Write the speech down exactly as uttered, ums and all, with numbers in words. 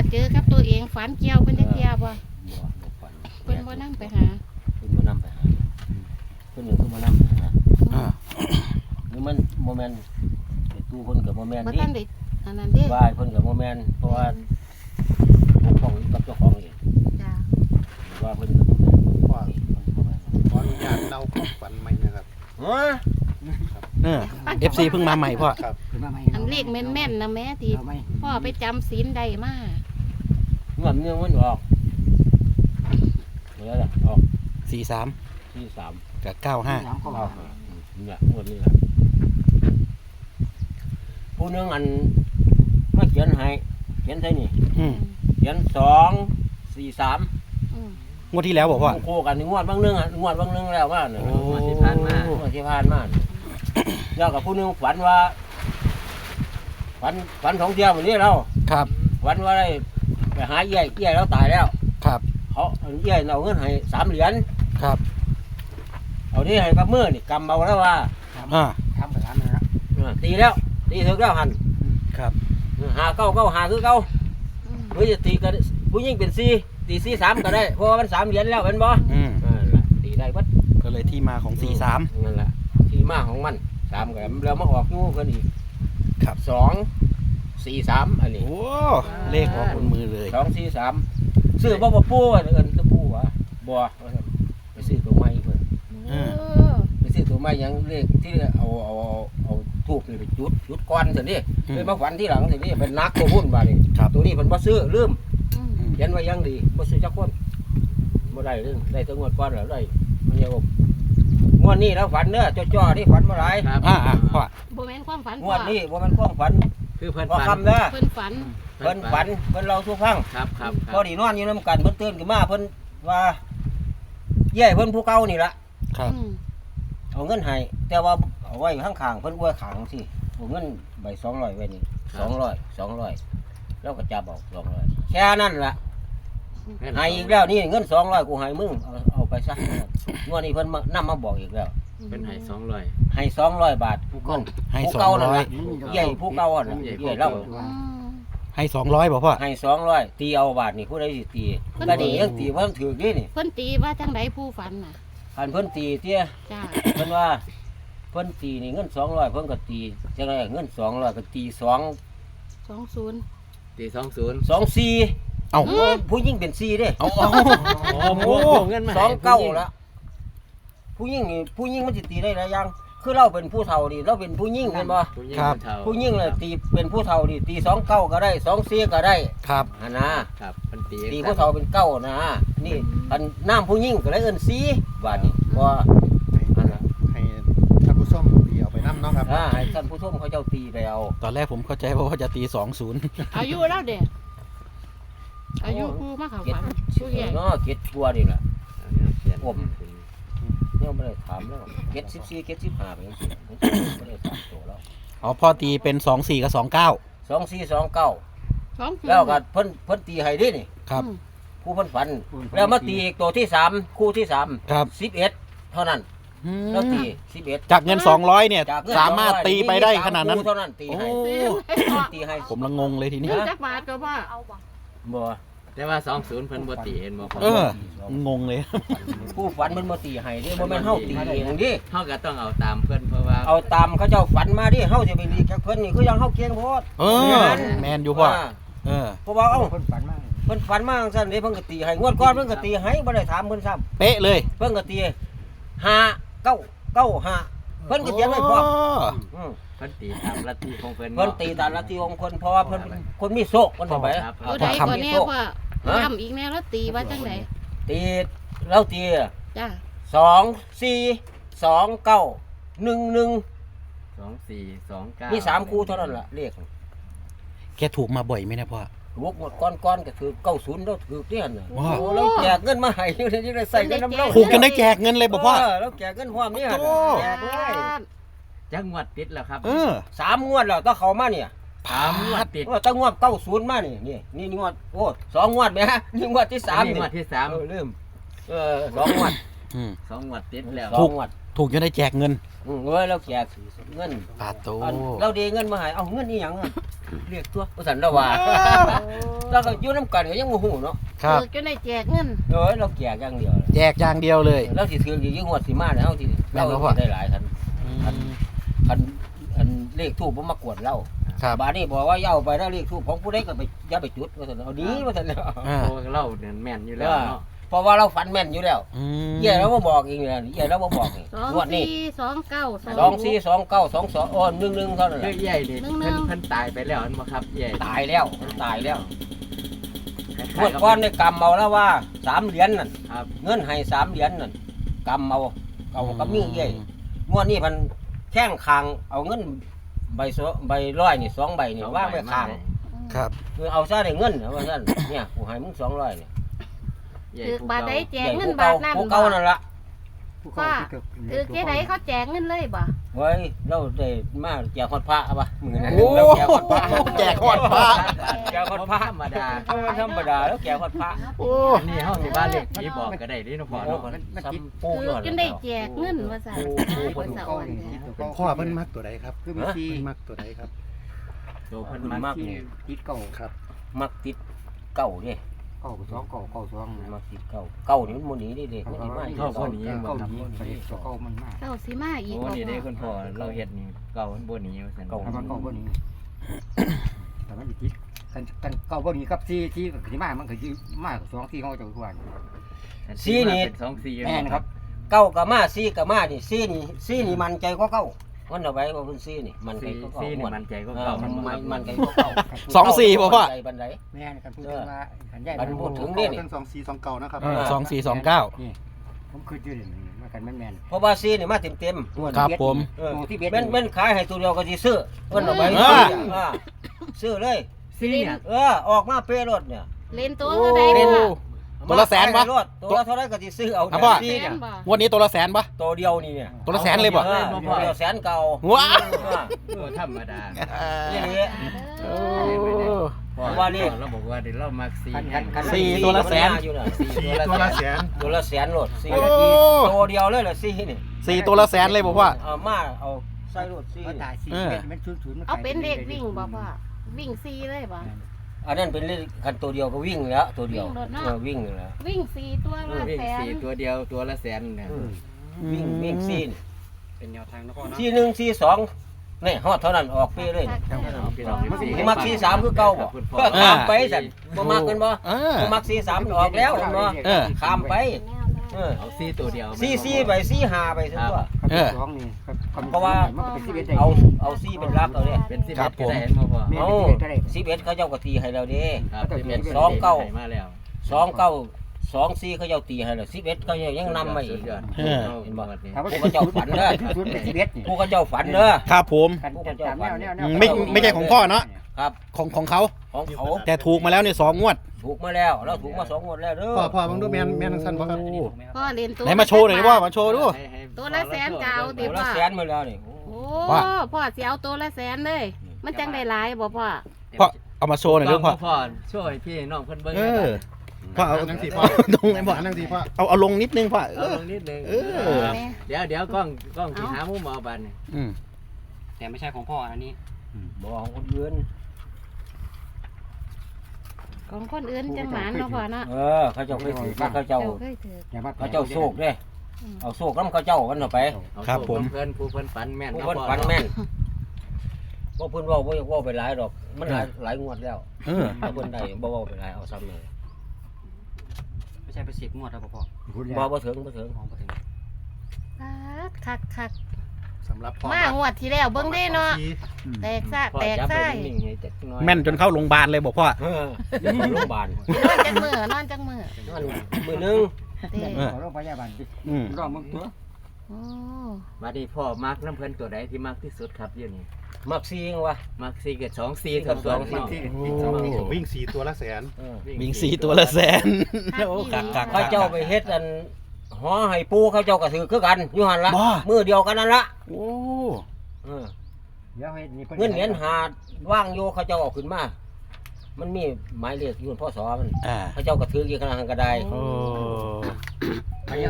เจอกับตัวเองฝันเกี่ยวเพิ่นจะเกี่ยวบ่บ่บ่ฝันเพิ่นบ่นำไปหาเพิ่นบ่นำไปหาเพิ่นเพิ่นบ่นำไปหาอ่าหรือมันบ่แม่นไอ้ตู้เพิ่นก็บ่แม่นบ่นี่ทันได้อันนั้นเด้ว่าเพิ่นก็บ่แม่นเพราะว่าปกป้องกับเจ้าของเองจ้าว่าเพิ่นก็บ่แม่นพ่อบ่แม่นขออนุญาตเล่าความฝันใหม่นะครับฮะเออ เอฟ ซี เพิ่งมาใหม่พ่อครับอันเลขแม่นๆนะแม่ที่พ่อไปจำศีลได้มาเงินเนี่ยมันออกเนี่ยแหละออกสี่สามที่สามกับเก้าห้าเอาเนี่ยงวดนี้แหละผู้หนึงอันมาเขียนให้เขียนใช่นี่อืมเขียนสองสี่สามอืมงวดที่แล้วบอกพ่อคู่กันนี่งวดบางนึงอ่ะงวดบางนึงแล้วว่าเนี่ยโอ้งวดที่ผ่านมางวดที่ผ่านมาเนี่ยแล้วกับผู้หนึงฝันว่าฝันฝันของเที่ยววันนี้เราครับฝันว่าได้ไปหาเอี้ยเอี้ยแล้วตายแล้วครับเขาเอาเอี้ยเอาเงินให้สามเหรียญครับเอานี่ให้กับมือนี่กำเอาแล้วว่าอ่าทำกับร้านนะครับเออตีแล้วตีถึงแล้วหันครับหาเก้าเก้าหาคือเก้าอืมหรือจะตีกันผู้ยิ่งเป็นสี่ตีสี่สามก็ได้เพราะว่ามันสามเหรียญแล้วเป็นบ่อืมนั่นล่ะตีได้บัดก็เลยที่มาของสี่สามนั่นแหละที่มาของมันสามก็แล้วมาออกงูกันอีกครับสองสี่สามอันนี้โอ้เลขออกบนมือเลยสองสี่สามซื้อบ่บ่ปูว่าเอิ้นตะปูวะบ่ว่าซั่นไปซื้อตัวใหม่เพิ่นเออไปซื้อตัวใหม่หยังเลขที่เอาเอาเอาเอาทูบนี่ไปจุดจุดก่อนซั่นดิอืมเลยมาฝันที่หลังซั่นดิเป็นนักตัวหุ้นบาดนี้ครับตัวนี้เพิ่นบ่ซื้อลืมอืมอืมเขียนไว้อยังดีบ่ซื้อจักคนบ่ได้เด้อได้แตั้งวดก่อนแล้วได้มันยังบ่งวดนี้แล้วฝันเด้อจ้อๆนี่ฝันบ่หลายครับอ่าอ่าพ่อบ่แม่นความฝันงพ่วอดนี้บ่แม่นความฝันคือเพิ่นบ่ฝันคำเด้อเพิ่นฝันเพิ่นฝันเพิ่นเล่าสู่ฟังครับครับคพรัอบ ดีนอนอยู่นํกันเพิ่นตื่นขึ้นมาเพิ่นว่าเย้เพิ่นผู้เก่านี่ล่ะครับอืมเอาเงินให้แต่ว่าเอาไว้ข้างๆเพิ่นอวยข้างสิเอาเงินใบสองร้อยไว้นี่สองร้อย สองร้อยแล้วก็จับออกสองร้อยแค่นั้นล่ะให้อีกแล้วนี่เงินสองร้อยกูให้มึงเอาเอาไปซะงวดนี้เพิ่นมานำมาบอกอีกแล้วเป็นให้สองร้อยให้สองร้อยบาทผู้เก่าให้ผู้สอเก่าง นั่นร้อยล่ะใหญ่ผู้เก่าอ่ะน่ะใหญ่ใหญ่เล่าอืมให้สองร้อยบอกพ่อให้สองร้อยตีเอาบาทนี่ผู้ใดสิตีเพิ่นก็ดียังตีเพิ่นถือนี่นี่เพิ่นตีว่าจังไดผู้ฝันน่ะคันเพิ่นตีเตี้ยจ้าเพิ่นว่าเพิ่นตีนี่เงินสองร้อยเพิ่นก็ตีจังไดเงินสองร้อยก็ตีสองสองศูนย์ตีสองศูนย์สองสี่เอ้าโอ้ผู้หญิงเป็นสี่เด้เอาเอาโอ้โหเงินมาสองเก้าละผู้หญิงนี่ผู้หญิงมันสิตีได้หลายอย่างคือเราเป็นผู้เฒ่าดิเราเป็นผู้หญิงเห็นบ่ผู้หญิงผู้เฒ่าผู้หญิงเลยตีเป็นผู้เฒ่าดิตีสองเก้าก็ได้สองสี่ก็ได้ครับหั่นนะครับมันตีตีผู้เฒ่าเป็นเก้านะนี่อันน้ำผู้หญิงก็เลยเอิ้นสี่บาทนี่บ่อันน่ะให้ท่านผู้ชมตีเอาไปนั่เนาะครับอ่าให้ท่านผู้ชมเขาเจ้าตีไปเอาตอนแรกผมเข้าใจว่าจะตีสองศูนย์อายุแล้วเด็กอายุผู้มาเข้าเก็ดฝันผู้ใหญ่เนาะเก็ดกลัวนี่แหละเขียนผม เนี่ยไม่ได้ถามแล้วเก็ดสิบสี่เก็ดสิบห้าไปยังสิไม่ได้ถามตัวแล้วอ๋อพ่อตีเป็นสองสี่กับสองเก้าสองสี่สองเก้าสองศูนย์แล้วก็เพิ่นเพิ่นตีให้ดินี่ครับอืมผู้เพิ่นฝัน แล้วมาตีอีกตัวที่สามคู่ที่สามครับสิบเอ็ดเท่านั้นแล้วตีสิบเอ็ดจากเงินสองร้อยเนี่ยจากเงินสามารถตีไปได้ขนาดนั้นมีสมคู่เท่านั้นตีโอ้ให้ตีให้ผมละงงเลยทีนี้เงินจักบาทก็ว่าบ่แต่ว่าสองศูนย์เพิ่นบ่ตีเห็นบ่พ่อเออ งงเลยผู้ฝันมันมาตีให้ดิบ่แม่นเฮาตีเองดิเฮาก็ต้องเอาตามเพิ่นเพราะว่าเอาตามเขาเจ้าฝันมาดิเฮาสิไปรีกจากเพิ่นนี่คือยังเฮาเก่งโพดเออ แมนอยู่พ่ออ่าเออเพราะว่าเอ้าเพิ่นฝันมากเพิ่นฝันมาจังซั่นเด้เพิ่นก็ตีให้งวดก่อนเพิ่นก็ตีให้บ่ได้ถามเพิ่นซ้ำเป๊ะเลยเพิ่นก็ตีห้าเก้าเก้าห้าเพิ่นก็เขียนไว้พร้อมโอืมเพิ่นตีตามลัทธิของเพิ่นเพิ่นตีตามลัทธิของคนเพราะว่าเพิ่นเป็นคนมีโชคเพิ่นว่าไปครับตัวใดก่อนแน่ว่าย้ำอีกแน่แล้วตีว่าจังไดตีเราตีจ้าสองสี่สองเก้าหนึ่งหนึ่งสองสี่สองเก้ามีมีสามคู่เท่านั้นล่ะเลขแกถูกมาบ่อยไหมเนะพ่อวกหมดก้อนๆก็ถือเก้าศูนย์แล้วถือเนี่ยน่ะว้าวโอ้เราแจกเงินมาให้อยู่นี่ได้ใส่เงินน้ำเราถูกจนได้แจกเงินเลยบอกพ่อเเราแจกเงินพร้อมนี่โอ้แจกเลยจังหวัดติดแล้วครับเออสามงวดแล้วต้องเข้ามาเนี่ยสามงวดติดว่าตั้งงวดเก้าศูนย์มานี่นี่นี่งวดโอ้สองงวดไหมฮะนี่งวดที่สามนี่นี่งวดที่สามเออลืมเออสองงวดอืมสองงวดติดแล้วสองงวดถูกจนได้แจกเงินอืมเว้ยเราแจกเงินปาโตอันเราดีเงินมาให้เอาเงินนี่หยังอะเรียกตัวอุสันละว่าโอ้แล้วก็อยู่น้ำกันก็ยังโมโหเนาะครับถือจนได้แจกเงินเออเราแจกอย่างเดียวแจกอย่างเดียวเลยแล้วสิถืออยู่ยิ่งงวดสิมาแล้วที่แม่เรานบ่พ่อได้หลายคันอืมคันอันเลขทูบผมมากวดเราครับบาดนี้บอกว่าอย่าเอาไปแล้วเลขทูบของผู้ใดก็ไปอย่าไปจุดว่าซั่นเอาดีว่าซั่นแล้วอ่าโอ้เล่าเนี่ยแม่นอยู่แล้วเนาะเพราะว่าเราฝันแม่นอยู่แล้วอืมเย่เราบ่บอกอีกเนี่ยเย่เราบ่บอกนี่สองงวดนี้สี่สองเก้าสองสี่สองเก้าสองสองโอ้หนึ่งหนึ่งเท่านั้นแหเรื่อละงใหญ่ดิหนึ่งหนึ่เพิ่งนเพิ่นตายไปแล้วอันบ่ครับใหญ่ตายแล้วมันตายแล้วคล้ายๆงวดก้อนได้กำเอาแล้วว่าสามเหรียญนั่นครับเงินให้สามเหรียญนั่นกำเอาเอาก็มีเย่งวดนี้มันแข้งคางเอาเงินใบสองใบร้อยนี่สองใบนี่ว่างไว้คางครับคือเอาซะได้เงินนะว่าซั่นเนี่ยกูให้มึงสองร้อยเนี่ยใหญ่ถือผู้บาทเก่าได้แจใหกญ่เงินผู้บาเก่าทนั่นผู้เก่านั่นล่ะว่าถือแค่ไหนเขาแจกเงินเลยบ่เว้ยเราได้มาแจกฮอดพระป่ะมื้อนั้นโอ้เราแจกฮอดพระแจกฮอดพระแจกฮอดพระธรรมดาเออธรรมดาแล้วแจกฮอดพระโอ้อันนี้เฮาสิว่าเลขผีบอกก็ได้เดิเนาะพ่อโอ้เนาะมันซ้ำปูถืยออดจนได้แจกเงินว่าซั่นปูปูว่าสะอ่อนแท้พ่อเพิ่นมักตัวใดครับคือมีซีเพิ่นมักตัวใดครับโตเพิ่นมันมัมักกที่นี่ติดเก่าครับมักติดเก่าเด้เก่าสองเก่าเก่าสองมันมักติดเก่าเก่านี่มันบ่หนีเด้เด้มันสิมาเก่าเก่านี้เก่านี้เก่ามันมากเก้าสิมาอีกโอ้บ่นี่ได้พ่คุณพ่อเราเฮ็ดนี่เก่ามันบ่หนีว่าซั่นถ้ามันเก่าบ่นี้แต่มันติดกันกันเก่าบ่นี้กับซีซีก็สิมามันก็สิมากสองซีเขาจะทุกวันซีนี่เป็นสองสี่แม่นครับเก่าก็มาซีก็มานี่ซีนี่ซีนี่มันใจกว่าเก่ามันเอาไว้ว่าเพิ่นซีนี่มันใจสี่กว่าเก่าสี่นี่ม่วนมันใจก็เออเก่ามันบ่มัคน รับมันใจกว่าเก่าสองสี่บ่พ่อใจบันไดแม่นกันพูดถึงว่าขันใหญ่บันพูดถึงนี่นี่ทั้งสองสี่สองเก่านะครับเออสองสี่สองเก้านี่ผมคือยืนมากันแม่นเพราะว่าซีนี่มาเต็มเต็มครับผมๆเออตัวที่เบ็ดแม่นแม่นขายให้ตัวเดียวก็สิซื้อเพิ่นเอาไว้เอออ่าซื้อเลยสี่เนี่ยเออออกมาเป้รถเนี่ยเล่นตัวเท่าใดโอ้บ่ตัวละแสนปะรถตัวละเท่าไรก็สิซื้อเอาครับพ่อซีเนี่ยบ่งวันนี้ตัวละแสนปะตัวเดียวนี่เนี่ยตัวละแสนเลยบ่ออตัวเดียวแสนเก่าว้าวเออบ่ธรรมดานี่นี่โอ้พ่อว่านี่เราบอกว่าเดี๋ยวเรามักสี่กันกันกันสี่ตัวละแสนอยู่น่ะสี่สี่ตัวละแสนตัวละแสนรถซีโอ้ตัวเดียวเลยเหรอซีนี่สี่ตัวละแสนเลยบอกว่าเอามาเอาใส่รถซีเขาตายซีมันชุนชุนเอาเป็นเด็กวิ่งบ่พ่อวิ่งซีเลยบ่อันนั้นเป็นเรื่องคันตัวเดียวก็วิ่งแล้วตัวเดียววิ่งรถเนาะเออวิ่งแล้ววิ่งซีตัวละวิ่งแสนสี่ตัวเดียวตัวละแสนเนี่ยวิ่งวิ่งซีนเป็นแนวทางนะพ่อเนาะซีหนึ่งซีสองนี่ฮอดเท่านั้นออกไปเลยเอาพี่น้องกูมักซีสามคือเก่าบ่ขอบคุณพ่อก็ข้ามไปสั่นบ่มักกันบ่เออกูมักซีสามมันออกแล้วเนาะเออข้ามไปเออเอาสี่ตัวเดียวซีซีไปซีห้าไปซะตัวเออสองนี่เพราะว่ามันก็เป็นซีเบ็ดได้เอาเอาซีเป็นรักเอาเด้เป็นสิบครัเอ็บดผมก็ได้เห็นบ่พ่อเอาสิบเอ็ดเขาเจ้าก็ตีให้เราเด้ครับสิบเอ็ดสองเก้ามาแล้วสองเก้าสองสี่เขาเจ้าตีให้แล้วสิบเอ็ดเขายังนำมาอีกสุดยอดเออเห็นบ่วันนี้ถ้าว่าผู้เขาเจ้าฝันเด้อชุนเป็นซีเบ็ดนี่ผู้เขาเจ้าฝันเด้อครับผมกันจัดตามแนวแนวแนวไม่ไม่ใช่ของพ่อเนาะครับของของเขาของเขาแต่ถูกมาแล้วเนี่ยสองงวดถูกมาแล้วเราถูกมาสองงวดแล้วเด้อพ่อพ่อมึงดูแมนแมนทั้งสั้นบ่ครับโอ้พ่อเล่นตัวไหนมาโชว์หน่อยดิว่ามาโชว์ดูให้ให้ตัวละแสนเก่าติตัวละแสนมาแล้วนี่โอ้ว่าพ่อสิเอาตัวละแสนเลย มันจังได้หลายบ่พ่อพ่อเอามาโชว์หน่อยดูพ่อพ่อช่วยพี่น้องเพิ่นเบิ่งเออพ่อเอานั่งสี่พ่อตรงไหนพ่อนั่งสี่พ่อเอาเอาลงนิดนึงพ่อเอเอาอลงนิดนึงเออแม่เดี๋ยวเดี๋ยวกล้องกล้องสิหามุมเอาบัดนี่อืมแต่ไม่ใช่ของพ่ออันนี้บอกของคนอื่นของคนอื่นจังหมานเนาะพ่อเนาะเออเขาเจ้าเคยถือเขาเจ้าเจ้าเคยถืออย่ามาเขาเจ้าโศกเด้เอาโศกน้ำเขาเจ้ากันเอาไปเอาครับผมเพิ่นผู้เพิ่นฝันแม่นผู้เนาะคนพ่อฝันแม่นว่าเพิ่นเว่าบ่อยากเว่าไปหลายดอกมันหลายหลายงวดแล้วเออถ้าเพิ่นได้บ่เว้าไปหลายเอาซ้ำเลยไม่ใช่ไปสิบงวดแล้วพ่อบ่บ่ถึงบ่ถึงคักคักสำหรับพ่อๆมางวดที่แล้วเบิ่งเด้เนาะสี่แตกซะพ่อแตกจับไปไส้นิ่งๆให้จักหน่อยแม่นจนเข้าโรงพยาบาลเลยบอกพ่อเออโรงพยาบาลนอนจังมือนอนจังมือนั่นมือหนึงเด้ขอโรงพยาบาลอืมรอมึงตัวโอ้บัดนี้พ่อมักน้ำเพิ่นตัวใดที่มักที่สุดครับเดี๋ยวนี้มักซีงวะมักสี่กับสองสี่เท่าตัวสองสี่เนาะโอ้วิ่งสี่ตัวละแสนเออวิ่งสีตัวละแสนโอ้กักกักเขาเจ้าไปเฮ็ดอันหอให้ปูเขาเจ้าก็ถือคือกันอยู่หั่นละบ่มือเดียวกันนั่นละโอ้เออเดี๋ยวให้นี่เงินเหรียญหาดว่างอยู่เขาเจ้าเอาขึ้นมา มันมีหมายเลขอยู่พ่อสอมันอ่าเขาเจ้าก็ถืออยู่ขนาดนั้นก็ได้โอ้